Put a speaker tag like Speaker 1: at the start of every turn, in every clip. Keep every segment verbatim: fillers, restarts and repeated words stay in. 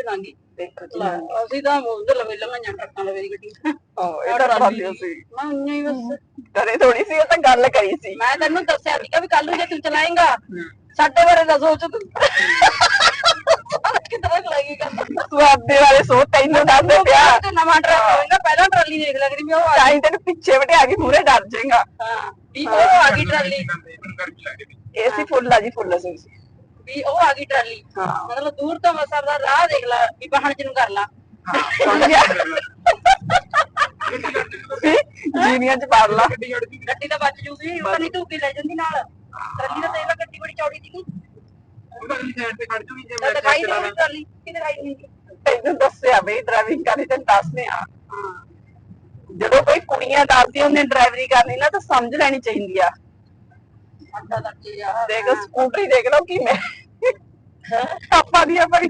Speaker 1: ਲਾਂਗੀ
Speaker 2: ਦੇਖੋ ਜੀ
Speaker 1: ਅਸੀਂ ਤਾਂ ਉਧਰ ਲਵੇ ਲੰਘਾਈਆਂ ਟਰੱਕਾਂ ਲਵੇ ਦੀ ਗੱਡੀ
Speaker 2: ਹਾਂ ਇਹ ਤਾਂ ਕਰਾਂਦੇ ਸੀ
Speaker 1: ਮੈਂ ਉਈਆਂ ਹੀ ਬਸ
Speaker 2: ਕਰੇ ਥੋੜੀ ਸੀ ਉਹ ਤਾਂ ਗੱਲ ਕਰੀ ਸੀ
Speaker 1: ਮੈਂ ਤੈਨੂੰ ਦੱਸਿਆ ਸੀਗਾ ਵੀ ਕੱਲ ਨੂੰ ਜੇ ਤੂੰ ਚਲਾਏਂਗਾ ਸਾਡੇ ਬਾਰੇ ਦਾ ਸੋਚ ਤੂੰ ਕਿੱਦਾਂ ਲੱਗੇਗਾ
Speaker 2: ਤੂੰ ਆਪਦੇ ਬਾਰੇ ਸੋਚ ਤੈਨੂੰ ਦੱਸਦੇ ਪਿਆ
Speaker 1: ਤੇ ਨਵਾਂ ਟਰੱਕ ਹੋਏਗਾ ਪਹਿਲਾਂ ਟਰਾਲੀ ਦੇਖ ਲੈ ਕਰੀ ਵੀ ਉਹ
Speaker 2: ਚਾਹੀ ਤੈਨੂੰ ਪਿੱਛੇ ਵਟਿਆ ਕੇ ਮੂਰੇ ਡਰ ਜਾਏਗਾ
Speaker 1: ਹਾਂ ਵੀ ਉਹ ਆ ਗਈ ਟਰਾਲੀ
Speaker 2: ਏਸੀ ਫੁੱਲ ਆ ਜੀ ਫੁੱਲ ਸੀ
Speaker 1: ਵੀ ਉਹ ਆ ਗਈ ਟਰਾਲੀ ਮਤਲਬ ਦੂਰ ਤੋਂ ਮਸਰ ਦਾ ਰਾਹ ਦੇਖ ਲੈ ਵੀ ਬਾਹਣ ਚ ਨੂੰ ਕਰ ਲਾ
Speaker 2: ਜੀਨੀਆਂ ਚ ਪਾਰ ਲਾ
Speaker 1: ਗੱਡੀ ਤਾਂ ਬਚ ਜੂਗੀ ਉਹ ਨਹੀਂ ਧੂਕੀ ਲੈ ਜਾਂਦੀ ਨਾਲ ਟਰਾਲੀ ਦਾ ਦੇਖ ਲੈ ਗੱਡੀ ਬੜੀ ਚੌੜੀ ਸੀਗੀ ਦਿਖਾਈ ਨਹੀਂ ਟਰਾਲੀ ਕਿ ਦਿਖਾਈ ਨਹੀਂ
Speaker 2: ਤੈਨੂੰ ਦੱਸਿਆ ਬਈ ਡਰਾਈਵਿੰਗ ਕਰਨੀ ਤੈਨੂੰ ਦੱਸਦੇ ਆ ਜਦੋਂ ਕੋਈ ਕੁੜੀਆਂ ਦੱਸਦੀ ਉਹਨੇ ਡਰਾਈਵਰੀ ਕਰਨੀ ਨਾ ਤਾਂ ਸਮਝ ਲੈਣੀ ਚਾਹੀਦੀ ਆ
Speaker 1: ਅੱਡਾ ਲੱਗ ਯਾਰ
Speaker 2: ਦੇਖ ਸਕੂਟਰੀ ਦੇਖ ਲਓ ਕਿਵੇਂ ਆਪਾਂ ਦੀ ਆਪਣੀ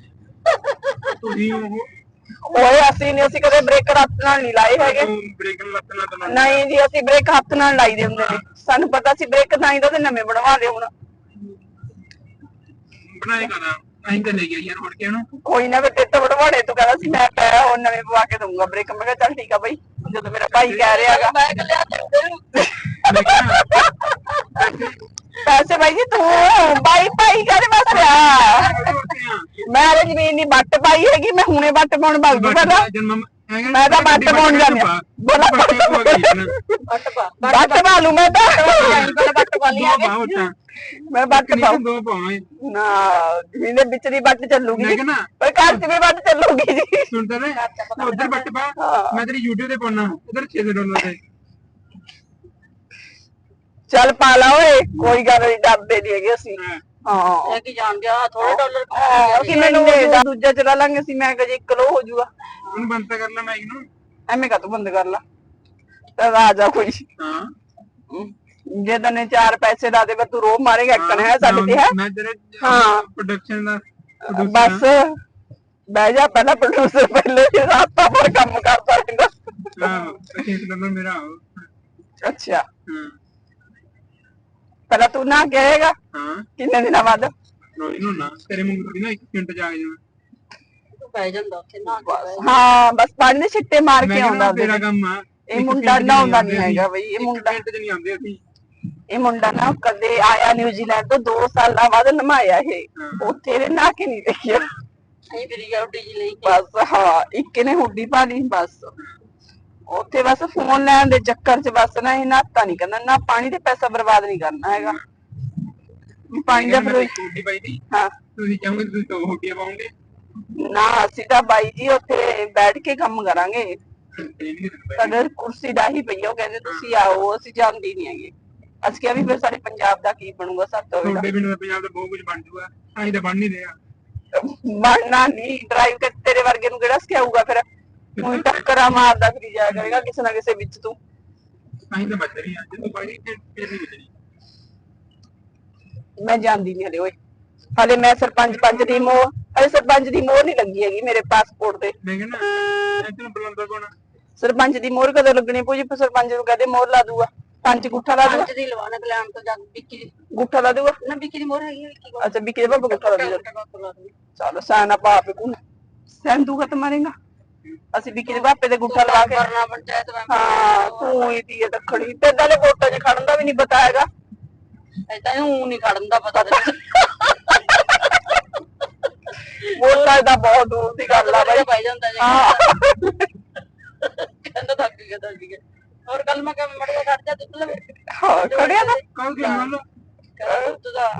Speaker 2: ਓਏ ਅਸੀਂ ਨਹੀਂ ਅਸੀਂ ਕਦੇ ਬ੍ਰੇਕ ਹੱਥ ਨਾਲ ਨਹੀਂ ਲਾਏ ਹੈਗੇ ਨਹੀਂ ਜੀ ਅਸੀਂ ਬ੍ਰੇਕ ਹੱਥ ਨਾਲ ਲਾਈ ਦੇ ਹੁੰਦੇ ਨੇ ਸਾਨੂੰ ਪਤਾ ਸੀ ਬ੍ਰੇਕ ਨਹੀਂ ਤਾਂ ਨਵੇਂ ਬਣਵਾ ਲਿਓ ਹੁਣ
Speaker 3: ਬਣਾਏ ਕਰਾਂ ਅਸੀਂ ਤਾਂ ਲੈ ਗਏ ਯਾਰ ਮੁੜ ਕੇ ਉਹਨੂੰ
Speaker 2: ਕੋਈ ਨਾ ਬੇਟੇ ਤੋਂ ਬਣਵਾੜੇ ਤੂੰ ਕਹਿੰਦਾ ਸੀ ਮੈਂ ਪੈ ਉਹ ਨਵੇਂ ਪਵਾ ਕੇ ਦਊਂਗਾ ਬ੍ਰੇਕ ਮੈਂ ਕਿਹਾ ਚੱਲ ਠੀਕ ਆ ਬਈ ਜਦੋਂ ਮੇਰਾ ਭਾਈ ਕਹਿ ਰਿਹਾਗਾ
Speaker 1: ਮੈਂ ਕੱਲਿਆ
Speaker 2: ਪੈਸੇ ਬਾਈ ਜੀ ਤੂੰ ਬਾਈ ਭਾਈ ਕਾਹਦੇ ਵਾਸਤੇ ਆ ਮੈਂ ਤਾਂ ਜ਼ਮੀਨ ਦੀ ਵੱਟ ਪਾਈ ਹੈਗੀ ਮੈਂ ਹੁਣੇ ਵੱਟ ਪਾਉਣ ਭੱਜ ਜੂ ਪਹਿਲਾਂ ਮੈਂ ਤਾਂ ਵੱਟ ਪਾਉਣ ਜਾਂਦੀ ਆ ਬੋਲਾ ਵੱਟ ਪਾ ਵੱਟ ਪਾ ਲੂ ਮੈਂ ਤਾਂ ਵੱਟ ਪਾ ਲਿਆ ਮੈਂ ਵੱਟ ਪਾਉਂ
Speaker 3: ਦੋ ਪਾਵਾਂ
Speaker 2: ਨਾ ਜ਼ਮੀਨ ਦੇ ਵਿੱਚ ਦੀ ਵੱਟ ਚੱਲੂਗੀ ਪਰ ਘਰ ਚ ਵੀ ਵੱਟ ਚੱਲੂਗੀ ਜੀ
Speaker 3: ਸੁਣਦਾ ਨੇ ਉਧਰ ਵੱਟ ਪਾ ਮੈਂ ਤੇਰੀ YouTube ਤੇ ਪਾਉਣਾ ਉਧਰ ਛੇ ਸੌ ਡਾਲਰ ਤੇ
Speaker 2: ਚੱਲ ਪਾ ਲਾ ਓਏ ਕੋਈ ਗੱਲ ਨਹੀਂ ਡਰਦੇ ਨਹੀਂ ਹੈਗੇ ਅਸੀਂ ਹਾਂ
Speaker 1: ਇਹ ਕੀ ਜਾਣ ਗਿਆ ਥੋੜੇ ਡਾਲਰ
Speaker 2: ਕਿ ਮੈਨੂੰ ਦੂਜਾ ਚਲਾ ਲਾਂਗੇ ਅਸੀਂ ਮੈਂ ਕਿਹਾ ਜੀ ਇੱਕ ਕਿਲੋ ਹੋ ਜਾਊਗਾ
Speaker 3: ਉਹਨੂੰ ਬੰਦ ਕਰ ਲੈ ਮੈਂ ਇਹਨੂੰ
Speaker 2: ਐਵੇਂ ਕਾ ਤੂੰ ਬੰਦ ਕਰ ਲਾ ਤਾਂ ਆ ਜਾ ਕੋਈ
Speaker 3: ਹਾਂ
Speaker 2: ਜੇ ਤਨੇ ਚਾਰ ਪੈਸੇ ਲਾ ਦੇ ਤੂੰ ਰੋਹ ਮਾਰੇਗਾ ਇੱਕਣ ਹੈ ਸਾਡੇ ਤੇ ਹੈ
Speaker 3: ਮੈਂ ਤੇਰੇ
Speaker 2: ਹਾਂ
Speaker 3: ਪ੍ਰੋਡਕਸ਼ਨ ਦਾ
Speaker 2: ਬਸ ਬਹਿ ਜਾ ਪਹਿਲਾਂ ਪ੍ਰੋਡਿਊਸਰ ਪਹਿਲੇ ਰਾਤਾਂ ਪਰ ਕੰਮ ਕਰਦਾ ਰਹਿੰਦਾ
Speaker 3: ਹਾਂ ਛੇ ਸੌ ਡਾਲਰ ਮੇਰਾ
Speaker 2: ਅੱਛਾ
Speaker 3: ਹਾਂ
Speaker 2: ਪਹਿਲਾਂ ਤੂੰ ਨਾ ਕਹੇਗਾ
Speaker 3: ਹਾਂ
Speaker 2: ਕਿੰਨੇ ਦਿਨਾਂ ਬਾਅਦ
Speaker 3: ਰੋਈ ਨੂੰ ਨਾ ਤੇਰੇ ਮੂੰਹ ਥੋੜੀ ਨਾ ਇੱਕ ਮਿੰਟ ਜਾ ਕੇ ਜਾਵਾਂ
Speaker 1: ਪੈ ਜਾਂਦਾ ਉੱਥੇ ਨਾ
Speaker 2: ਹਾਂ ਬਸ ਪਾਣੀ ਦੇ ਛਿੱਟੇ ਮਾਰ ਕੇ ਆਉਂਦਾ
Speaker 3: ਤੇਰਾ ਕੰਮ ਆ
Speaker 2: ਇਹ ਮੁੰਡਾ ਨਹਾਉਂਦਾ ਨਹੀਂ ਹੈਗਾ ਬਈ ਇਹ ਮੁੰਡਾ
Speaker 3: ਮਿੰਟ ਚ ਨਹੀਂ ਆਉਂਦੇ ਅਸੀਂ
Speaker 2: ਇਹ ਮੁੰਡਾ ਨਾ ਕਦੇ ਆਇਆ ਨਿਊਜ਼ੀਲੈਂਡ ਤੋਂ ਦੋ ਸਾਲਾਂ ਬਾਅਦ ਨਮਾਇਆ ਇਹ ਉੱਥੇ ਦੇ ਨਹਾ ਕੇ ਨਹੀਂ ਦੇਖਿਆ
Speaker 1: ਨਹੀਂ ਫਿਰ ਇਹ ਉੱਡੀ ਜੀ ਲਈ
Speaker 2: ਬਸ ਹਾਂ ਇੱਕ ਨੇ ਹੁੱਡੀ ਪਾ ਲਈ ਬਸ ਉੱਥੇ ਬਸ ਫੋਨ ਲੈਣ ਦੇ ਚੱਕਰ ਚ ਬਸ ਨਾ ਇਹ ਨਾਤਾ ਨਹੀਂ ਕਰਨਾ ਨਾ ਪਾਣੀ ਤੇ ਪੈਸਾ ਬਰਬਾਦ ਨਹੀਂ ਕਰਨਾ ਹੈਗਾ ਪਾਣੀ ਦਾ
Speaker 3: ਹੁੱਡੀ ਪਾਈ ਦੀ
Speaker 2: ਹਾਂ
Speaker 3: ਤੁਸੀਂ ਚਾਹੋਗੇ ਤੁਸੀਂ ਦੋ ਹੁੱਡੀਆਂ ਪਾਉਂਗੇ
Speaker 2: ਨਾ ਅਸੀਂ ਤਾਂ ਬਾਈ ਜੀ ਉੱਥੇ ਬੈਠ ਕੇ ਕੰਮ ਕਰਾਂਗੇ ਸਾਡੇ ਕੁਰਸੀ ਡਾਹੀ ਪਈ ਉਹ ਕਹਿੰਦੇ ਤੁਸੀਂ ਆਓ ਅਸੀਂ ਜਾਂਦੀ ਨਹੀਂ ਹੈਗੇ ਅਸੀਂ ਕਿਹਾ ਵੀ ਫਿਰ ਸਾਡੇ ਪੰਜਾਬ ਦਾ ਕੀ ਬਣੂਗਾ ਸਾਤੋਂ
Speaker 3: ਤੁਹਾਡੇ ਬਿਨਾਂ ਪੰਜਾਬ ਦਾ ਬਹੁਤ ਕੁਝ ਬਣ ਜੂਗਾ ਅਸੀਂ ਤਾਂ ਬਣ ਨਹੀਂ ਰਿਹਾ
Speaker 2: ਬਣਨਾ ਨਹੀਂ ਡਰਾਈਵ ਕਰ ਤੇਰੇ ਵਰਗੇ ਨੂੰ ਕਿਹੜਾ ਸਿਖਾਊਗਾ ਫਿਰ ਹੁਣ ਟੱਕਰਾਂ ਮਾਰਦਾ ਫਿਰ ਜਾਇਆ ਕਰੇਗਾ ਕਿਸੇ ਨਾ ਕਿਸੇ ਵਿੱਚ ਤੂੰ
Speaker 3: ਅਸੀਂ ਤਾਂ ਬਚ ਰਹੀ ਹਾਂ ਜਦੋਂ ਬਾਈ ਫਿਰ ਨਹੀਂ ਬਚਣੀ
Speaker 2: ਮੈਂ ਜਾਂਦੀ ਨਹੀਂ ਹਲੇ ਓਏ ਹਲੇ ਮੈਂ ਸਰਪੰਚ ਪੰਚ ਦੀ ਮੋਹ ਹਲੇ ਸਰਪੰਚ ਦੀ ਮੋਹਰ ਨਹੀਂ ਲੱਗੀ ਹੈਗੀ ਮੇਰੇ ਪਾਸਪੋਰਟ ਤੇ
Speaker 3: ਮੈਂ ਕਹਿੰਦਾ ਇੱਥੇ ਬੁਲਾਉਂਦਾ ਕੋਣ
Speaker 2: ਸਰਪੰਚ ਦੀ ਮੋਹਰ ਕਦੋਂ ਲੱਗਣੀ ਪੂਜੀ ਸਰਪੰਚ ਨੂੰ ਕਹਦੇ ਮੋਹਰ ਲਾ ਦੂਗਾ ਪੰਜ ਗੁੱਠਾ ਲਾ ਦੂਗਾ
Speaker 1: ਪੰਜ ਦੀ ਲਵਾਣਾ ਕਲਾਮ ਤੋਂ ਜਾ ਵਿੱਕੀ ਦੀ
Speaker 2: ਗੁੱਠਾ ਲਾ ਦੂਗਾ
Speaker 1: ਨਾ ਵਿੱਕੀ ਦੀ ਮੋਹਰ ਹੈਗੀ ਵਿੱਕੀ ਕੋਲ
Speaker 2: ਅੱਛਾ ਵਿੱਕੀ ਦੇ ਬਾਬਾ ਗੁੱਠਾ ਲਾ ਦੂਗਾ ਚਲੋ ਸਾਨਾ ਪਾਪ ਕੋ ਸੰਦੂਗਾ ਮਾਰੇਗਾ ਅਸੀਂ ਵਿੱਕੀ ਦੇ ਬਾਪੇ ਦੇ ਗੁੱਠਾ ਲਵਾ ਕੇ
Speaker 1: ਕਰਨਾ ਪੰਚਾਇਤ ਮੈਂ
Speaker 2: ਹਾਂ ਤੂੰ ਹੀ ਦੀ ਦੱਖਣੀ ਤੇ ਨਾਲੇ ਵੋਟਾਂ 'ਚ ਖੜਨ ਦਾ ਵੀ ਨਹੀਂ ਪਤਾ ਹੈਗਾ
Speaker 1: ਐਦਾਂ ਉਹ ਨਹੀਂ ਖੜਨ ਦਾ ਪਤਾ ਤੇ
Speaker 2: ਵੋਟਾਂ ਦਾ ਬਹੁਤ ਦੂਰ ਦੀ ਗੱਲ ਆ ਬਾਈ
Speaker 1: ਪੈ ਜਾਂਦਾ ਜੀ
Speaker 2: ਹਾਂ
Speaker 1: ਕਹਿੰਦਾ ਥੱਕ ਗਿਆ ਥੱਕ ਗਿਆ ਹੋਰ ਕੱਲ ਮੈਂ ਕਿਹਾ ਮੜਿਆ ਖੜ ਜਾ ਦੁੱਧ ਲਵੇ
Speaker 2: ਹਾਂ ਖੜਿਆ ਨਾ
Speaker 3: ਕੌਣ ਕੀ ਮੰਨ ਲਓ
Speaker 1: ਕਹਿੰਦਾ ਦੁੱਧ ਦਾ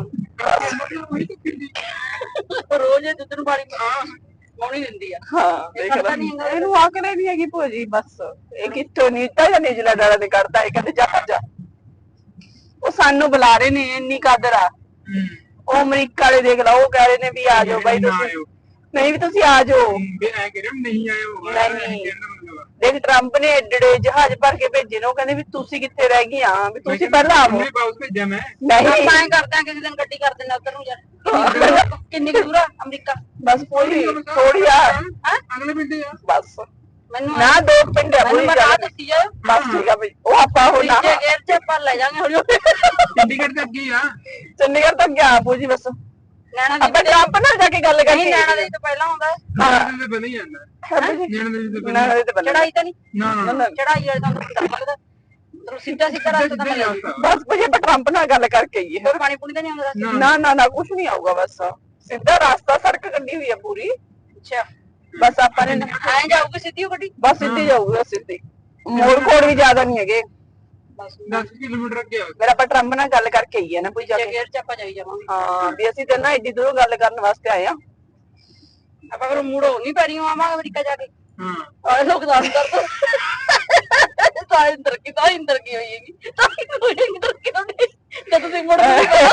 Speaker 1: ਰੋਜ਼ ਇਹ ਦੁੱਧ ਨੂੰ ਪਾਣੀ ਪਾਉਣੀ ਦਿੰਦੀ ਆ
Speaker 2: ਹਾਂ ਦੇਖ ਲੈ ਇਹਨੂੰ ਆਕੜੇ ਨਹੀਂ ਹੈਗੀ ਭੋਜੀ ਬਸ ਇਹ ਕਿੱਥੋਂ ਨੀਤਾ ਜਾਂ ਨਿਜਲਾ ਡਾਲਾ ਤੇ ਕਰਦਾ ਇਹ ਕਹਿੰਦੇ ਜਾ ਜਾ ਉਹ ਸਾਨੂੰ ਬੁਲਾ ਰਹੇ ਨੇ ਇੰਨੀ ਕਾਦਰ ਆ ਉਹ ਅਮਰੀਕਾ ਵਾਲੇ ਦੇਖ ਲਾ ਉਹ ਕਹਿ ਰਹੇ ਨੇ ਵੀ ਆ ਜਾਓ ਬਾਈ ਤੁਸੀਂ ਨਹੀਂ ਵੀ ਤੁਸੀਂ ਆ ਜਾਓ
Speaker 3: ਐ ਕਰੇ ਨਹੀਂ ਆਇਓ
Speaker 2: ਨਹੀਂ ਦੇਖ ਟਰੰਪ ਨੇ ਏਡੇ ਜਹਾਜ਼ ਭਰ ਕੇ ਭੇਜੇ ਨੇ ਉਹ ਕਹਿੰਦੇ ਵੀ ਤੁਸੀਂ ਕਿੱਥੇ ਰਹਿ ਗਈਆਂ ਵੀ ਤੁਸੀਂ ਪਹਿਲਾਂ ਆਵੋ
Speaker 3: ਮੈਂ ਬਾਉਸ ਭੇਜਿਆ ਮੈਂ
Speaker 2: ਨਹੀਂ
Speaker 1: ਮੈਂ ਕਰਦਾ ਕਿਸੇ ਦਿਨ ਗੱਡੀ ਕਰ ਦਿੰਦਾ ਉਧਰ ਨੂੰ ਯਾਰ ਕਿੰਨੀ ਦੂਰ ਆ ਅਮਰੀਕਾ
Speaker 2: ਬਸ ਕੋਈ ਥੋੜੀ ਆ
Speaker 3: ਅਗਲੇ ਪਿੰਡ ਆ
Speaker 2: ਬਸ
Speaker 1: ਮੈਨੂੰ
Speaker 2: ਨਾ ਦੋ ਪਿੰਡ ਆ
Speaker 1: ਮੈਨੂੰ ਬਤਾ ਦਿੱਤੀ ਜਾ
Speaker 2: ਬਸ ਠੀਕ ਆ ਬਈ ਉਹ ਆਪਾਂ ਹੁਣ ਨਾ
Speaker 1: ਗੇਰ ਚ ਆਪਾਂ ਲੈ ਜਾਾਂਗੇ ਹੌਲੀ
Speaker 3: ਚੰਡੀਗੜ੍ਹ ਤੱਕ ਗਈ ਆ
Speaker 2: ਚੰਡੀਗੜ੍ਹ ਤੱਕ ਗਿਆ ਆਪੂ ਜੀ ਬਸ
Speaker 1: ਨੈਣਾ
Speaker 2: ਆਪਾਂ
Speaker 1: ਦੇਵੀ
Speaker 2: ਟਰੰਪ ਨਾਲ ਜਾ ਕੇ ਗੱਲ
Speaker 1: ਨਹੀਂ
Speaker 2: ਕਰੀਏ
Speaker 1: ਨੈਣਾ ਦੇਵੀ ਤੋਂ ਪਹਿਲਾਂ ਆਉਂਦਾ
Speaker 3: ਨੈਣਾ ਦੇ ਬਣੀ ਜਾਂਦਾ ਨੈਣਾ ਦੇ ਤੇ ਬਣੀ
Speaker 2: ਨਾ ਤੇ
Speaker 1: ਚੜਾਈ ਤਾਂ ਨਹੀਂ
Speaker 3: ਨਾ ਨਾ
Speaker 1: ਚੜਾਈ ਵਾਲੇ ਤੁਹਾਨੂੰ ਡਰ ਲੱਗਦਾ ਮਤਲਬ ਸਿੱਧਾ ਸਿੱਧਾ ਰਸਤਾ ਤਾਂ ਮਿਲਿਆ
Speaker 2: ਬਸ ਭਈ ਆਪਾਂ ਟਰੰਪ ਨਾਲ ਗੱਲ ਕਰਕੇ ਆਈਏ
Speaker 1: ਹੋਰ ਪਾਣੀ ਪੂਣੀ ਤਾਂ ਨਹੀਂ ਆਉਂਦਾ ਰਸਤੇ
Speaker 2: ਨਾ ਨਾ ਨਾ ਕੁਝ ਨਹੀਂ ਆਊਗਾ ਬਸ ਸਿੱਧਾ ਰਾਸਤਾ ਸੜਕ ਕੱਢੀ ਹੋਈ ਹੈ ਪੂਰੀ
Speaker 1: ਅੱਛਾ
Speaker 2: ਬਸ ਆਪਾਂ ਨੇ
Speaker 1: ਐਂ ਜਾਊਗੀ ਸਿੱਧੀ ਉਹ ਗੱਡੀ
Speaker 2: ਬਸ ਸਿੱਧੀ ਜਾਊਗੀ ਬਸ ਸਿੱਧੀ ਮੋੜ ਕੋੜ ਵੀ ਜ਼ਿਆਦਾ ਨਹੀਂ ਹੈਗੇ
Speaker 1: ਬਸ
Speaker 3: ਦਸ ਕਿਲੋਮੀਟਰ ਅੱਗੇ ਆ
Speaker 2: ਫਿਰ ਆਪਾਂ ਟਰੰਪ ਨਾਲ ਗੱਲ ਕਰਕੇ ਆਈਏ ਨਾ ਕੋਈ ਜਾ ਕੇ
Speaker 1: ਗੇਰ ਚ ਆਪਾਂ ਜਾਈ ਜਾਵਾਂਗੇ
Speaker 2: ਹਾਂ ਵੀ ਅਸੀਂ ਤੇ ਨਾ ਏਡੀ ਦੂਰੋਂ ਗੱਲ ਕਰਨ ਵਾਸਤੇ ਆਏ ਆ
Speaker 1: ਆਪਾਂ ਫਿਰ ਮੂੜੋ ਨਹੀਂ ਪੈਰੀਓ ਆਵਾਂਗੇ ਅਮਰੀਕਾ ਜਾ ਕੇ
Speaker 3: ਹਾਂ
Speaker 1: ਆਏ ਲੋਕ ਦਾਨ ਕਰ ਤਾਂ ਇੰਦਰ ਕੀ ਤਾਂ ਇੰਦਰ ਕੀ ਹੋਈਏਗੀ ਤਾਂ ਇੰਦਰ ਕੀ ਹੋਣੀ ਜਦ ਤੁਸੀਂ ਮੁੜ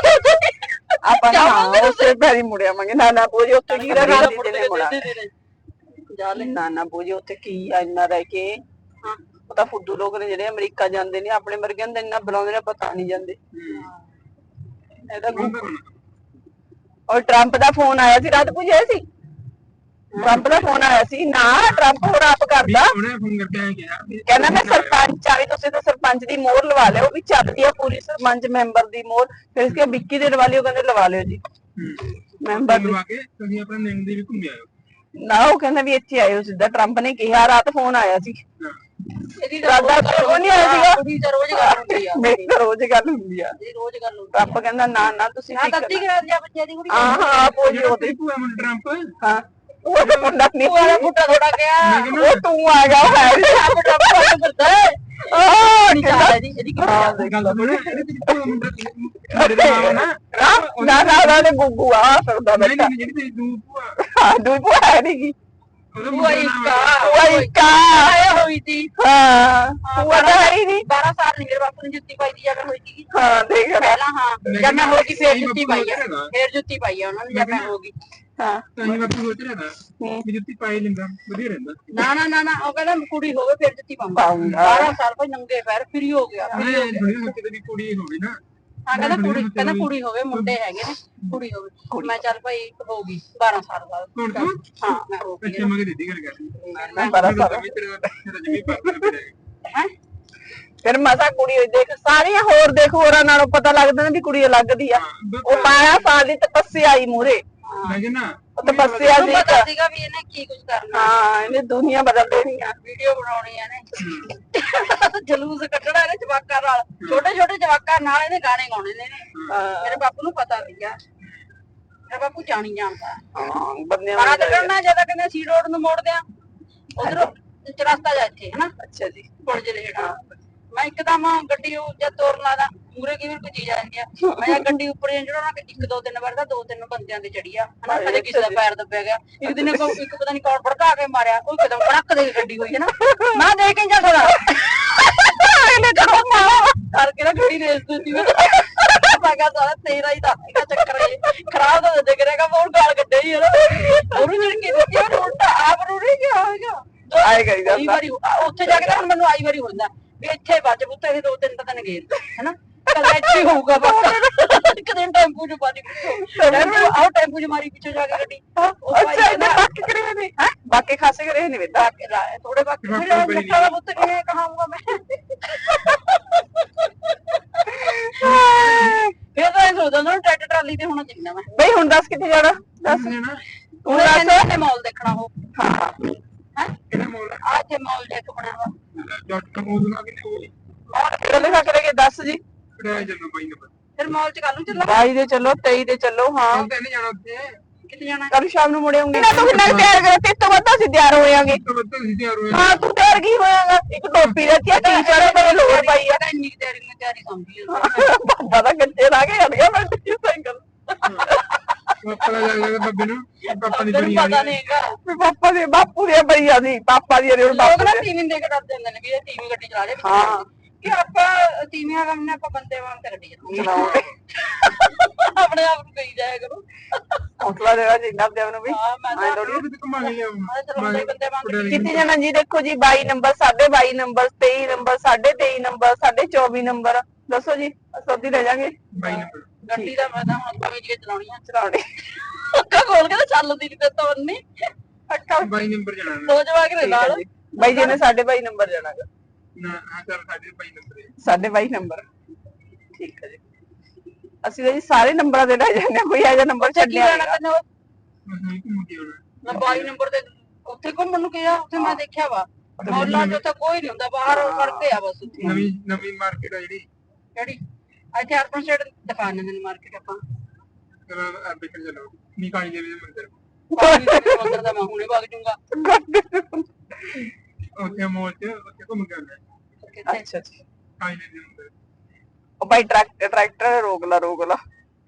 Speaker 2: ਆਪਾਂ ਨਾ ਉਸੇ ਪੈਰੀ ਮੁੜ ਆਵਾਂਗੇ ਨਾ ਨਾ ਬੋਝੇ ਉੱਥੇ ਕੀ ਰਹਿ ਗਿਆ ਦੀਦੀ ਨੇ ਮੁੜਾ
Speaker 1: ਜਾ ਲੈ
Speaker 2: ਨਾ ਨਾ ਬੋਝੇ ਉੱਥੇ ਕੀ ਆ ਇੰਨਾ ਰਹਿ ਕੇ
Speaker 1: ਹਾਂ
Speaker 2: ਉਹ ਤਾਂ ਫੁੱਦੂ ਲੋਕ ਨੇ ਜਿਹੜੇ ਅਮਰੀਕਾ ਜਾਂਦੇ ਨੇ ਆਪਣੇ ਵਰਗਿਆਂ ਨੂੰ ਇੰਨਾ ਬੁਲਾਉਂਦੇ ਨੇ ਪਤਾ ਨਹੀਂ ਜਾਂਦੇ ਇਹਦਾ ਔਰ ਟਰੰਪ ਦਾ ਫੋਨ ਆਇਆ ਸੀ ਰਾਤ ਪੁੱਛਿਆ ਸੀ ਟਰੰਪ ਦਾ ਫੋਨ ਆਇਆ ਸੀ ਨਾ ਟਰੰਪ ਹੋਰ ਆਪ ਕਰਦਾ
Speaker 3: ਉਹਨੇ ਫੋਨ ਕਰਕੇ ਆਇਆ ਕਿਹਾ
Speaker 2: ਕਹਿੰਦਾ ਮੈਂ ਸਰਪੰਚ ਆ ਵੀ ਤੁਸੀਂ ਤਾਂ ਸਰਪੰਚ ਦੀ ਮੋਹਰ ਲਵਾ ਲਿਓ ਵੀ ਚੱਲਦੀ ਆ ਪੂਰੀ ਸਰਪੰਚ ਮੈਂਬਰ ਦੀ ਮੋਹਰ ਫਿਰ ਇਸਕੇ ਵਿੱਕੀ ਦੇ ਲਵਾ ਲਿਓ ਕਹਿੰਦੇ ਲਵਾ ਲਿਓ ਜੀ ਮੈਂਬਰ ਦੀ
Speaker 3: ਲਵਾ ਕੇ ਤੁਸੀਂ ਆਪਣਾ ਨੈਣ ਦੀ ਵੀ ਘੁੰਮ ਆਇਓ
Speaker 2: ਨਾ ਉਹ ਕਹਿੰਦਾ ਵੀ ਇੱਥੇ ਆਇਓ ਸਿੱਧਾ ਟਰੰਪ ਨੇ ਕਿਹਾ ਰਾਤ ਫੋਨ ਆਇਆ ਸੀ
Speaker 1: ਇਹਦੀ
Speaker 2: ਰਾਦਾ ਉਹ ਨਹੀਂ ਆਇਆ ਸੀਗਾ
Speaker 1: ਕੁੜੀ ਤਾਂ ਰੋਜ਼ ਗੱਲ ਹੁੰਦੀ ਆ
Speaker 2: ਮੇਰੀ ਤਾਂ ਰੋਜ਼ ਗੱਲ ਹੁੰਦੀ ਆ
Speaker 1: ਇਹਦੀ ਰੋਜ਼ ਗੱਲ ਹੁੰਦੀ
Speaker 2: ਟਰੰਪ ਕਹਿੰਦਾ ਨਾ ਨਾ ਤੁਸੀਂ
Speaker 1: ਨਾ ਗਲਤੀ ਕਰਾ ਦਿਆ ਬੱਚੇ ਦੀ ਕੁੜੀ
Speaker 2: ਹਾਂ ਹਾਂ ਪੋਜੀ
Speaker 3: ਜਿਹੜਾ
Speaker 2: ਉਹਦੇ
Speaker 3: ਤੇਰੀ ਭੂਆ ਮੁੰਡਾ ਟਰੰਪ
Speaker 2: ਹਾਂ ਉਹ ਤਾਂ ਮੁੰਡਾ ਨਹੀਂ
Speaker 1: ਵਾਲਾ ਬੁੱਟਾ ਥੋੜਾ ਗਿਆ
Speaker 2: ਉਹ ਤੂੰ ਆ ਗਿਆ ਉਹ ਹੈ ਨੀ।
Speaker 1: ਆਪ ਟੱਪ ਨੂੰ ਫਿਰਦਾ
Speaker 2: ਆਹ
Speaker 1: ਨਹੀਂ ਚਾਹਦਾ ਜੀ ਇਹਦੀ ਕੀ
Speaker 2: ਹਾਂ ਦੇਖ
Speaker 3: ਗੱਲ ਸੁਣ ਜਿਹੜੀ ਤੇਰੀ ਭੂਆ ਮੁੰਡਾ ਮੇਰੇ ਦਾ ਨਾਮ ਨਾ
Speaker 2: ਨਾ ਨਾ ਨਾ ਤੇ ਗੁੱਗੂ ਆ ਫਿਰਦਾ
Speaker 3: ਨਹੀਂ
Speaker 2: ਬੈਠਾ
Speaker 3: ਨਹੀਂ ਜਿਹੜੀ ਤੇਰੀ ਦੂ ਭੂਆ
Speaker 2: ਹਾਂ ਦੂਈ ਭੂਆ ਹੈ ਨੀ ਗੀ
Speaker 3: ਉਹਦਾ
Speaker 1: ਉਹ
Speaker 3: ਮੁੰਡਾ
Speaker 1: ਇੱਕ
Speaker 3: ਨਾਮ
Speaker 2: ਉਹ ਇੱਕ ਆ
Speaker 1: ਆਇਆ ਹੋਈ ਸੀ
Speaker 2: ਹਾਂ ਭੂਆ ਤਾਂ ਹੈ ਹੀ ਨੀ
Speaker 1: ਬਾਰਾਂ ਸਾਲ ਨਹੀਂ ਮੇਰੇ ਬਾਪੂ ਨੇ ਜੁੱਤੀ ਪਾਈ ਦੀ ਜਦ ਹੋਈ ਸੀ
Speaker 2: ਹਾਂ ਦੇਖ ਲੈ
Speaker 1: ਪਹਿਲਾਂ ਹਾਂ ਜਦ ਮੈਂ ਹੋ ਗਈ ਫੇਰ ਜੁੱਤੀ ਪਾਈ ਆ ਫੇਰ ਜੁੱਤੀ ਪਾਈ ਆ ਉਹਨਾਂ ਨੇ ਜਦ ਮੈਂ ਹੋ ਗਈ
Speaker 2: ਹਾਂ
Speaker 3: ਤਾਂ ਹੀ ਬਾਪੂ ਸੋਚ ਰਿਹਾ ਨਾ ਵੀ ਜੁੱਤੀ ਪਾਈ ਲੈਂਦਾ ਵਧੀਆ ਰਹਿੰਦਾ
Speaker 1: ਨਾ ਨਾ ਨਾ ਨਾ ਉਹ ਕਹਿੰਦਾ ਕੁੜੀ ਹੋਵੇ ਫੇਰ ਜੁੱਤੀ ਪਾਉਂਗਾ
Speaker 2: ਪਾਊਂਗਾ।
Speaker 1: ਬਾਰਾਂ ਸਾਲ ਭਾਈ ਨੰਗੇ ਪੈਰ ਫਰੀ ਹੋ ਗਿਆ free ਹੋ
Speaker 3: ਨਹੀਂ
Speaker 1: ਗਿਆ।
Speaker 3: ਥੋੜੀ ਮੁੱਕੇ ਤੇ ਵੀ ਕੁੜੀ ਹੋਵੇ ਨਾ
Speaker 1: ਹਾਂ ਕਹਿੰਦਾ ਕੁੜੀ ਕਹਿੰਦਾ ਕੁੜੀ ਹੋਵੇ ਮੁੰਡੇ ਹੈਗੇ ਨੇ ਕੁੜੀ ਹੋਵੇ ਮੈਂ ਚੱਲ ਭਾਈ ਹੋ ਗਈ ਬਾਰਾਂ ਸਾਲ ਬਾਅਦ
Speaker 3: ਹੁਣ ਤੂੰ
Speaker 1: ਹਾਂ ਮੈਂ ਹੋ ਗਈ
Speaker 3: ਅੱਛਾ ਮਗੇ ਦੀਦੀ ਗੱਲ ਕਰ
Speaker 2: ਮੈਂ ਬੜਾ ਸਾਰਾ
Speaker 3: ਜਮੀ ਪਾਪਾ
Speaker 1: ਹੈ
Speaker 2: ਫਿਰ ਮਸਾ ਕੁੜੀ ਹੋਈ ਦੇਖ ਸਾਰੀਆਂ ਹੋਰ ਦੇਖ ਹੋਰਾਂ ਨਾਲੋਂ ਪਤਾ ਲੱਗਦਾ ਨਾ ਵੀ ਕੁੜੀ ਅਲੱਗ ਦੀ ਆ ਉਹ ਬਾਰਾਂ ਸਾਲ ਦੀ ਤਪੱਸਿਆ ਆਈ ਮੂਰੇ
Speaker 3: ਮੈਂ ਕਿਹਾ
Speaker 2: ਉਹ ਤਪੱਸਿਆ
Speaker 1: ਤੂੰ
Speaker 2: ਦੀ
Speaker 1: ਪਤਾ ਸੀਗਾ ਵੀ ਇਹਨੇ ਕੀ ਕੁਝ ਕਰਨਾ
Speaker 2: ਹਾਂ ਇਹਨੇ ਦੁਨੀਆ ਬਦਲ ਦੇਣੀ ਆ
Speaker 1: ਵੀਡੀਓ ਬਣਾਉਣੀ ਆ ਨੇ ਜਲੂਸ ਕੱਢਣਾ ਇਹਨੇ ਜਵਾਕਾਂ ਨਾਲ ਛੋਟੇ ਛੋਟੇ ਜਵਾਕਾਂ ਨਾਲ ਇਹਨੇ ਗਾਣੇ ਗਾਉਣੇ ਨੇ ਇਹਨੇ। ਮੇਰੇ ਬਾਪੂ ਨੂੰ ਪਤਾ ਸੀਗਾ ਮੇਰਾ ਬਾਪੂ ਜਾਣੀ ਜਾਣਦਾ
Speaker 2: ਹਾਂ ਬੰਦਿਆਂ
Speaker 1: ਬੜਾ ਕਰਨਾ ਜਦੋਂ ਕਹਿੰਦੇ ਸੀ ਰੋਡ ਨੂੰ ਮੋੜਦੇ ਆ ਉਧਰ ਚਰਸਤਾ ਜਾ ਇੱਥੇ ਹਨਾ
Speaker 2: ਅੱਛਾ ਜੀ
Speaker 1: ਪੁਲ ਜਿਹੜੇ ਹੇਠਾਂ ਮੈਂ ਇੱਕਦਮ ਗੱਡੀ ਉਹ ਜਦ ਤੋਰਨ ਲਾਦਾ ਮੂਰੇ ਕਿਵੇਂ ਕੋਈ ਚੀਜ਼ ਆ ਜਾਂਦੀ ਆ ਮੈਂ ਗੱਡੀ ਉੱਪਰ ਜਿਹੜਾ ਨਾ ਇੱਕ ਦੋ ਤਿੰਨ ਵਾਰ ਦਾ ਦੋ ਤਿੰਨ ਬੰਦਿਆਂ ਦੇ ਚੜੀ ਆ ਹਨਾ ਕਦੇ ਕਿਸੇ ਦਾ ਪੈਰ ਦੱਬਿਆ ਗਿਆ ਇੱਕ ਦਿਨ ਕੋ ਇੱਕ ਪਤਾ ਨਹੀਂ ਕੌਣ ਭੜਕਾ ਕੇ ਮਾਰਿਆ ਉਹ ਕਦਮ ਕੜਕ ਦੇ ਗੱਡੀ ਹੋਈ ਹੈ ਨਾ ਮੈਂ ਦੇਖ ਕੇ ਜਾ ਥੋੜਾ ਇਹਨੇ ਕਰੋ ਕਰਕੇ ਨਾ ਗੱਡੀ ਰੇਸ ਦਿੱਤੀ ਮੈਂ ਮੈਂ ਕਿਹਾ ਸਾਰਾ ਤੇਰਾ ਹੀ ਦਾ ਚੱਕਰ ਹੈ ਖਰਾਬ ਤਾਂ ਦੇ ਕਰੇਗਾ ਬਹੁਤ ਗਾਲ ਕੱਢੇ ਹੀ ਹੈ ਨਾ ਉਹਨੂੰ ਜਿਹੜੀ ਕੀ ਦਿੱਤੀ ਉਹ ਉਲਟਾ ਆਪ ਨੂੰ ਨਹੀਂ ਗਿਆ ਹੋਏਗਾ
Speaker 2: ਆਏਗਾ ਹੀ
Speaker 1: ਕਈ ਵਾਰੀ ਉੱਥੇ ਜਾ ਕੇ ਤਾਂ ਹੁਣ ਮੈਨੂੰ ਆਈ ਵਾਰੀ ਹੁੰਦਾ ਵੀ ਇੱਥੇ ਵੱਜ ਪੁੱਤ ਇਹ ਦੋ ਤਿੰਨ ਤਾਂ ਦਿਨ ਗਏ ਹੈਨਾ ਕਦੇ ਇੱਥੇ ਹੋਊਗਾ ਬਸ ਇੱਕ ਦਿਨ ਟੈਂਪੂ ਚ ਪਾਣੀ ਟੈਂਪੂ ਆਓ ਟੈਂਪੂ ਚ ਮਾਰੀ ਪਿੱਛੇ ਜਾ ਕੇ ਗੱਡੀ
Speaker 2: ਅੱਛਾ ਇਹਨੇ ਬਾਕੀ ਕਰੇ ਨੇ ਹੈ ਬਾਕੀ ਖਾਸੇ ਕਰੇ ਨੇ ਵੇਦਾ
Speaker 1: ਥੋੜੇ ਬਾਕੀ ਫਿਰ ਲੱਖਾਂ ਦਾ ਪੁੱਤ ਕਿਵੇਂ ਕਹਾਂਗਾ ਮੈਂ ਫਿਰ ਤਾਂ ਇਹ ਸੋਚਦਾ ਨਾ ਟਰੈਕਟਰ ਟਰਾਲੀ ਤੇ ਹੋਣਾ ਚਾਹੀਦਾ ਮੈਂ
Speaker 2: ਬਈ ਹੁਣ ਦੱਸ ਕਿੱਥੇ ਜਾਣਾ ਦੱਸ
Speaker 3: ਨਾ
Speaker 2: ਤੂੰ ਦੱਸ
Speaker 1: ਤੇ ਮਾਲ ਦੇਖਣਾ ਹੋ
Speaker 2: ਹਾਂ
Speaker 1: ਹੈ
Speaker 3: ਕਿਹੜਾ ਮੋਲ
Speaker 1: ਆ ਇੱਥੇ ਮਾਲ ਦੇਖ ਬਣਿਆ ਵਾ
Speaker 3: ਡਾਟ ਕਮ ਉਹਦਾ ਕਿੰਨੇ ਹੋਈ
Speaker 2: ਕਿਹੜਾ ਲਿਖਾ ਕਰੇਗੇ ਦੱਸ ਜੀ
Speaker 3: ਕਿਹੜਾ ਜਨਮ ਬਾਈ ਨੰਬਰ
Speaker 1: ਫਿਰ ਮਾਲ ਚ ਕੱਲ ਨੂੰ ਚੱਲਾਂ
Speaker 2: ਬਾਈ ਦੇ ਚੱਲੋ ਤੇਈ ਦੇ ਚੱਲੋ ਹਾਂ
Speaker 3: ਕੱਲ ਤਾਂ ਨਹੀਂ ਜਾਣਾ ਉੱਥੇ
Speaker 1: ਕਿੱਥੇ ਜਾਣਾ
Speaker 2: ਕੱਲ ਸ਼ਾਮ ਨੂੰ ਮੁੜੇ ਹੋਗੇ ਨਾ ਤੂੰ ਨਾਲ ਤਿਆਰ ਕਰ ਤੇ ਤੋਂ ਵੱਧ ਅਸੀਂ ਤਿਆਰ ਹੋਇਆਂਗੇ
Speaker 3: ਤਾਂ ਬੱਤਾਂ ਸੀ ਤਿਆਰ ਹੋਏ
Speaker 2: ਹਾਂ ਤੂੰ ਤਿਆਰ ਕੀ ਹੋਇਆਗਾ ਇੱਕ ਟੋਪੀ ਰੱਖਿਆ ਟੀ-ਸ਼ਰਟ ਤੇ ਲੋਰ ਪਾਈ ਆ
Speaker 1: ਇੰਨੀ ਕੁ ਤਿਆਰੀ ਨੂੰ ਤਿਆਰੀ ਸਮਝੀ ਜਾਂਦਾ
Speaker 2: ਬਾਬਾ ਦਾ ਗੱਜੇ ਲਾ ਕੇ ਹਟ ਗਿਆ ਮੈਂ ਸਾਈਕਲ
Speaker 3: ਪਾਪਾ ਦਾ ਲੱਗ ਲੱਗਾ ਬੱਬੇ ਨੂੰ ਪਾਪਾ ਦੀ ਬਣੀ
Speaker 1: ਤੈਨੂੰ ਪਤਾ ਨਹੀਂ ਹੈਗਾ
Speaker 2: ਵੀ ਪਾਪਾ ਦੇ ਬਾਪੂ ਦੇ ਬਈਆ ਦੀ ਪਾਪਾ ਦੀ
Speaker 1: ਲੋਕ
Speaker 2: ਬਾਪੂ
Speaker 1: ਨਾ
Speaker 2: ਦੇ
Speaker 1: ਟੀਵੀ ਦੇਖ ਕੇ ਡਰ ਜਾਂਦੇ ਨੇ ਵੀ ਇਹ ਟੀਵੀ ਗੱਡੀ ਚਲਾ ਰਿਹਾ
Speaker 2: ਹਾਂ
Speaker 1: ਕਿ ਆਪਾਂ ਤੀਵੀਆਂ ਕੰਮ ਨੇ ਆਪਾਂ ਬੰਦੇ ਵਾਂਗ ਤੇ ਗੱਡੀ ਚਲਾਉਂਦੇ
Speaker 2: ਚਲਾਉਂਦੇ
Speaker 1: ਆਪਣੇ ਆਪ ਨੂੰ ਕਹੀ ਜਾਇਆ ਕਰੋ
Speaker 2: ਹੌਸਲਾ ਦੇਵਾ ਜਿੰਨਾ ਦੇਵ ਨੂੰ ਵੀ
Speaker 1: ਹਾਂ ਮੈਂ
Speaker 2: ਮੈਂ
Speaker 1: ਤਾਂ
Speaker 2: ਥੋੜੀ
Speaker 3: ਵੀ ਘੁਮਾ ਕੇ ਲਿਆਉਂ
Speaker 1: ਮੈਂ ਚਲਾਉਂਦੇ ਬੰਦੇ ਵਾਂਗ
Speaker 2: ਕਿੱਥੇ ਜਾਣਾ ਜੀ ਦੇਖੋ ਜੀ ਬਾਈ ਨੰਬਰ ਸਾਢੇ ਬਾਈ ਨੰਬਰ ਤੇਈ ਨੰਬਰ ਸਾਢੇ ਤੇਈ ਨੰਬਰ ਸਾਢੇ ਚੌਵੀ ਨੰਬਰ ਦੱਸੋ ਜੀ ਸੌਦੀ ਲੈ ਜਾਾਂਗੇ
Speaker 3: ਬਾਈ ਨੰਬਰ
Speaker 1: ਗੱਡੀ ਦਾ ਮੈਂ ਤਾਂ ਹੁਣ ਸਮਝ ਕੇ ਚਲਾਉਣੀ ਆ
Speaker 2: ਚਲਾਉਣੇ
Speaker 1: ਅੱਖਾਂ ਖੋਲ ਕੇ ਤਾਂ ਚੱਲਦੀ ਨਹੀਂ ਤੇ ਤੋਰਨੀ ਅੱਖਾਂ
Speaker 3: ਬਾਈ ਨੰਬਰ ਜਾਣਾ
Speaker 1: ਦੋ ਜਵਾਕ ਦੇ ਨਾਲ
Speaker 2: ਬਾਈ ਜੀ ਨੇ ਸਾਢੇ ਬਾਈ ਨੰਬਰ ਜਾਣਾਗਾ
Speaker 3: ਨਾ ਹਾਂ ਚੱਲ ਸਾਡੇ ਬਾਈ ਨੰਬਰ
Speaker 2: ਸਾਢੇ ਬਾਈ ਨੰਬਰ ਠੀਕ ਹੈ ਜੀ ਅਸੀਂ ਤਾਂ ਜੀ ਸਾਰੇ ਨੰਬਰਾਂ ਦੇ ਲੈ ਜਾਂਦੇ ਹਾਂ, ਕੋਈ ਇਹੋ ਜਿਹਾ ਨੰਬਰ
Speaker 1: ਕੀ
Speaker 2: ਛੱਡਿਆ
Speaker 1: ਲੈਣਾ
Speaker 2: ਨੀ।
Speaker 1: ਤੈਨੂੰ
Speaker 3: ਨਹੀਂ ਘੁੰਮ ਕੇ ਆਉਣਾ
Speaker 1: ਮੈਂ ਬਾਈ ਨੰਬਰ ਤੇ ਉੱਥੇ ਘੁੰਮਣ ਨੂੰ ਗਿਆ, ਉੱਥੇ ਮੈਂ ਦੇਖਿਆ ਵਾ ਮੌਲਾਂ 'ਚ ਉੱਥੇ ਕੋਈ ਨਹੀਂ ਹੁੰਦਾ, ਬਾਹਰ ਸੜਕੇ ਆ ਬਸ ਉੱਥੇ।
Speaker 3: ਨਵੀਂ ਨਵੀਂ ਮਾਰਕੀਟ ਆ ਜਿਹੜੀ
Speaker 1: ਕਿਹੜੀ ਇੱਥੇ ਅਰਬਨ ਸਟੇਟ ਦਿਖਾ ਦਿੰਦੇ ਨੇ ਮਾਰਕੀਟ ਆਪਾਂ।
Speaker 3: ਚਲੋ ਅੱਗੇ ਚਲੋ ਨੀ ਕਾਲੀ ਦੇਵੀ ਦੇ ਮੰਦਿਰ
Speaker 1: ਕਾਲੀ ਦੇਵੀ ਦੇ ਮੰਦਿਰ ਦਾ ਮੈਂ ਹੁਣੇ ਵਗ ਜੂੰਗਾ।
Speaker 3: ਉੱਥੇ ਮੋਲ 'ਚ ਉੱਥੇ ਘੁੰਮ ਕੇ ਆਉਣਾ
Speaker 1: ਕਿੱਥੇ?
Speaker 2: ਅੱਛਾ ਅੱਛਾ
Speaker 3: ਕਾਲੀ ਦੇਵੀ ਦੇ ਮੰਦਿਰ।
Speaker 2: ਉਹ ਭਾਈ ਟਰੈਕਟਰ ਟਰੈਕਟਰ ਰੋਕ ਲਾ ਰੋਕ ਲਾ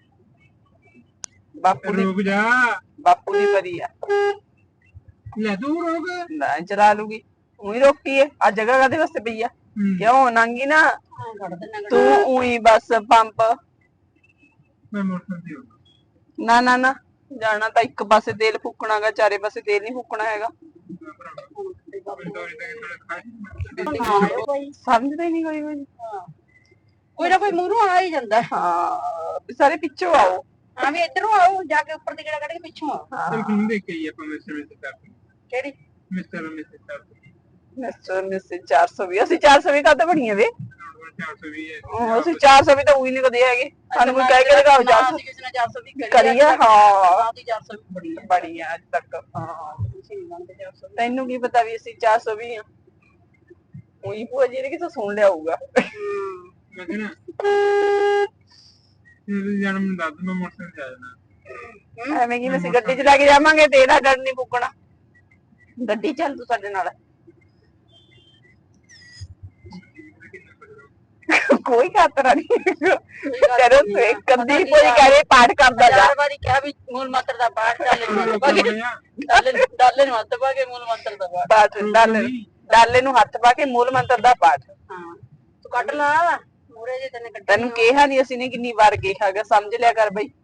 Speaker 2: ਬਾਪੂ ਦੀ
Speaker 3: ਰੁਕ ਜਾ
Speaker 2: ਬਾਪੂ ਦੀ ਪਰੀ ਆ
Speaker 3: ਲੈ ਤੂੰ ਰੁਕ
Speaker 2: ਨਾ ਚਲਾ ਲੂਗੀ ਉਹੀ ਰੋਕੀ ਹੈ ਆ ਜਗ੍ਹਾ ਕਾਦੇ ਵਾਸਤੇ ਪਈ ਆ
Speaker 3: ਹੂੰ।
Speaker 2: ਕਿਉਂ ਨੰਗੀ ਨਾ
Speaker 1: ਹਾਂ ਕੱਢ ਦਿੰਦਾ
Speaker 2: ਤੂੰ ਉਹੀ ਬਸ ਪੰਪ
Speaker 3: ਮੈਂ ਮੋਟਰ ਤੇ ਆਉਂਦਾ
Speaker 2: ਨਾ ਨਾ ਨਾ ਜਾਣਾ ਤਾਂ ਇੱਕ ਪਾਸੇ ਤੇਲ ਫੂਕਣਾਗਾ, ਚਾਰੇ ਪਾਸੇ ਤੇਲ ਨਹੀਂ ਫੂਕਣਾ ਹੈਗਾ। ਸਮਝਦਾ ਹੀ ਨਹੀਂ ਕੋਈ ਵੀ।
Speaker 1: ਕੋਈ ਨਾ ਕੋਈ ਮੂਹਰੋਂ ਆ ਹੀ ਜਾਂਦਾ।
Speaker 2: ਹਾਂ ਵੀ ਸਾਰੇ ਪਿੱਛੋਂ ਆਓ।
Speaker 1: ਹਾਂ ਵੀ ਇੱਧਰੋਂ ਆਓ, ਜਾ ਕੇ ਉੱਪਰ ਦੀ ਗੇੜਾ ਕੱਢ ਕੇ ਪਿੱਛੋਂ ਆਓ।
Speaker 3: ਚਲ ਕਿੰਨੂੰ ਦੇਖ ਕੇ ਆਈਏ ਆਪਾਂ ਮਿਸਟਰ ਮਿਸਟਰ ਸਾਹਿਬ
Speaker 1: ਕਿਹੜੀ?
Speaker 3: ਮਿਸਟਰ ਮਿਸਟਰ ਸਾਹਿਬ
Speaker 2: ਮਿਸਟਰ ਮਿਸਟਰ ਚਾਰ ਸੌ ਵੀਹ ਅਸੀਂ ਚਾਰ ਸੌ ਵੀਹ ਕਾਹਤੇ ਬਣੀਆਂ ਵੇ
Speaker 3: ਚਾਰ ਸੌ ਵੀਹ ਹੈ
Speaker 2: ਉਹ ਅਸੀਂ ਚਾਰ ਸੌ ਵੀਹ ਤਾਂ ਉਹੀ ਨਹੀਂ ਕਦੇ ਹੈਗੇ, ਸਾਨੂੰ ਕੋਈ ਕਹਿ ਕੇ ਲਗਾਓ ਚਾਰ ਸੌ
Speaker 1: ਕਿਸੇ ਨੇ ਚਾਰ ਸੌ ਵੀਹ
Speaker 2: ਕਰੀ ਆ। ਹਾਂ
Speaker 1: ਦੀ ਚਾਰ ਸੌ ਵੀਹ ਬੜੀ ਹੈ।
Speaker 2: ਬੜੀ ਆ ਅੱਜ ਤੱਕ। ਹਾਂ
Speaker 1: ਤੁਸੀਂ ਨਹੀਂ ਮੰਨਦੇ ਚਾਰ ਸੌ ਵੀਹ।
Speaker 2: ਤੈਨੂੰ ਕੀ ਪਤਾ ਵੀ ਅਸੀਂ ਚਾਰ ਸੌ ਵੀਹ ਆ, ਉਹੀ ਭੂਆ ਜੀ ਨੇ ਕਿਥੋਂ ਸੁਣ ਲਿਆ ਹੋਊਗਾ।
Speaker 1: ਹੂੰ।
Speaker 3: ਮੈਂ ਕਿਹਾ ਇਹ ਜਨਮ ਦੱਸ ਮੈਂ ਮੋਟਰ ਤੇ ਆ ਜਾਣਾ।
Speaker 2: ਐਵੇਂ ਕਿ ਅਸੀਂ ਗੱਡੀ ਚ ਲੈ ਕੇ ਜਾਵਾਂਗੇ ਤੇ ਇਹਦਾ ਡਰ ਨਹੀਂ ਪੁੱਗਣਾ। ਗੱਡੀ ਚੱਲ ਤੂੰ ਸਾਡੇ ਨਾਲ। ਕੋਈ ਖਾਤਰਾ ਨਹੀਂ ਕਰੋ ਤੇ ਕਦੀ ਕੋਈ ਕਹੇ ਪਾਠ ਕਰਦਾ ਜਾ।
Speaker 1: ਚਾਰ ਵਾਰੀ ਕਿਹਾ ਵੀ ਮੂਲ ਮੰਤਰ ਦਾ ਪਾਠ ਚੱਲ ਡਾਲੇ ਡਾਲੇ ਨੂੰ ਹੱਥ ਪਾ ਕੇ ਮੂਲ ਮੰਤਰ ਦਾ ਪਾਠ।
Speaker 2: ਪਾਠ ਡਾਲੇ ਡਾਲੇ ਨੂੰ ਹੱਥ ਪਾ ਕੇ ਮੂਲ ਮੰਤਰ ਦਾ ਪਾਠ।
Speaker 1: ਹਾਂ ਤੂੰ ਕੱਢ ਲਾ ਮੂਰੇ ਜੇ ਤੈਨੇ ਕੱਢ।
Speaker 2: ਤੈਨੂੰ ਕਿਹਾ ਨਹੀਂ ਅਸੀਂ ਨੇ ਕਿੰਨੀ ਵਾਰ ਕਿਹਾਗਾ, ਸਮਝ ਲਿਆ ਕਰ ਬਈ।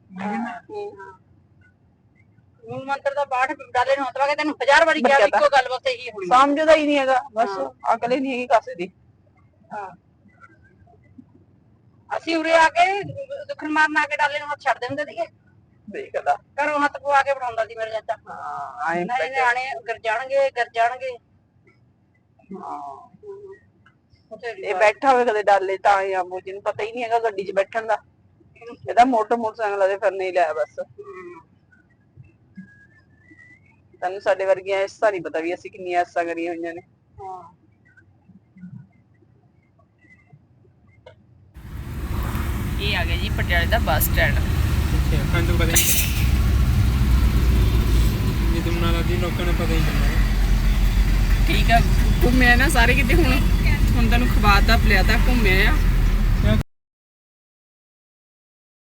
Speaker 1: ਮੂਲ ਮੰਤਰ ਦਾ ਪਾਠ ਡਾਲੇ ਨੂੰ ਹੱਥ ਪਾ ਕੇ ਤੈਨੂੰ ਹਜ਼ਾਰ ਵਾਰੀ ਕਿਹਾ, ਇੱਕੋ ਗੱਲ ਬਸ ਇਹੀ ਹੋਣੀ।
Speaker 2: ਸਮਝਦਾ ਹੀ ਨਹੀਂ ਹੈਗਾ, ਬਸ ਅਕਲ ਹੀ ਨਹੀਂ ਹੈਗੀ ਕਾਸੇ ਦੀ।
Speaker 1: ਹਾਂ ਅਸੀਂ ਉਰੇ ਆ ਕੇ ਦੁਖਨ ਮਾਰਨ ਆ ਕੇ ਡਾਲੇ ਨੂੰ ਹੱਥ ਛੱਡ ਦਿੰਦੇ ਸੀਗੇ।
Speaker 2: ਦੇਖਦਾ
Speaker 1: ਘਰੋਂ ਹੱਥ ਪਵਾ ਕੇ ਬਣਾਉਂਦਾ ਸੀ ਮੇਰੇ ਚਾਚਾ।
Speaker 2: ਹਾਂ ਆਏ
Speaker 1: ਨਹੀਂ ਨਿਆਣੇ ਗਰ ਜਾਣਗੇ ਗਰ ਜਾਣਗੇ।
Speaker 2: ਇਹ ਬੈਠਾ ਹੋਵੇ ਕਦੇ ਡਾਲੇ ਤਾਂ ਜਾਂ ਮੋਜੀ ਨੂੰ ਪਤਾ ਹੀ ਨਹੀਂ ਹੈਗਾ ਗੱਡੀ 'ਚ ਬੈਠਣ ਦਾ। ਇਹਦਾ ਮੋਟਰ ਮੋਟਰਸਾਈਕਲ ਦੇ ਫਿਰ ਨਹੀਂ ਲਿਆ ਬਸ। ਤੈਨੂੰ ਸਾਡੇ ਵਰਗੀਆਂ ਐਸਾ ਨਹੀਂ ਪਤਾ ਵੀ ਅਸੀਂ ਕਿੰਨੀਆਂ ਐਸਾ ਕਰੀਆਂ ਹੋਈਆਂ ਨੇ। ਇਹ ਆ ਗਿਆ ਜੀ ਪਟਿਆਲੇ ਦਾ ਬੱਸ ਸਟੈਂਡ।
Speaker 3: ਅੱਛਾ ਕੰਨ ਪਤਾ ਨਹੀਂ ਇਹ ਤੁਮ ਨਾਲ ਦੀ ਲੋਕਾਂ ਨੂੰ ਪਤਾ ਹੀ ਨਹੀਂ।
Speaker 2: ਠੀਕ ਆ ਘੁੰਮਿਆ ਨਾ ਸਾਰੇ ਕਿਤੇ। ਹੁਣ ਹੁਣ ਤੈਨੂੰ ਖਵਾਤਾ ਪਿਲਾਤਾ ਘੁੰਮਿਆ ਆ।